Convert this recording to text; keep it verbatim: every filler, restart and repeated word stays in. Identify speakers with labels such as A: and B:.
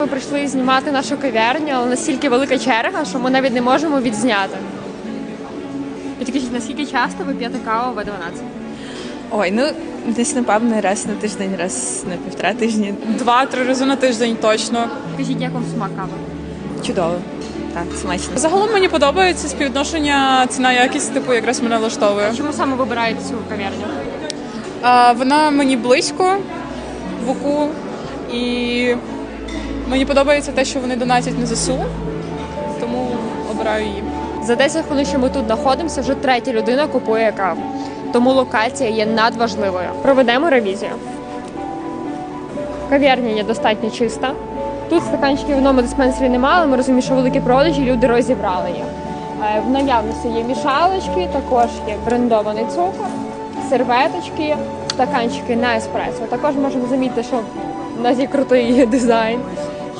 A: Ми прийшли знімати нашу кав'ярню, але настільки велика черга, що ми навіть не можемо відзняти. Підкажіть, наскільки часто ви п'єте каву в дванадцять?
B: Ой, ну десь напевно раз на тиждень, раз на півтора тижні.
C: Два-три рази на тиждень точно.
A: Скажіть, як вам смак кави?
B: Чудово. Так, смачно.
C: Загалом мені подобається співвідношення ціна-якість, типу, якраз мене влаштовує.
A: Чому саме вибираєте цю кав'ярню?
C: А, вона мені близько в УКУ, і мені подобається те, що вони донатять на ЗСУ, тому обираю її.
A: За десять хвилин, що ми тут знаходимося, вже третя людина купує каву. Тому локація є надважливою. Проведемо ревізію. Кав'ярня є достатньо чиста. Тут стаканчиків в одному диспенсері немає, але ми розуміємо, що великі продажі, люди розібрали їх. Е, В наявності є мішалочки, також є брендований цукор, серветочки, стаканчики на еспресо. Також можемо замітити, що в нас є крутий дизайн.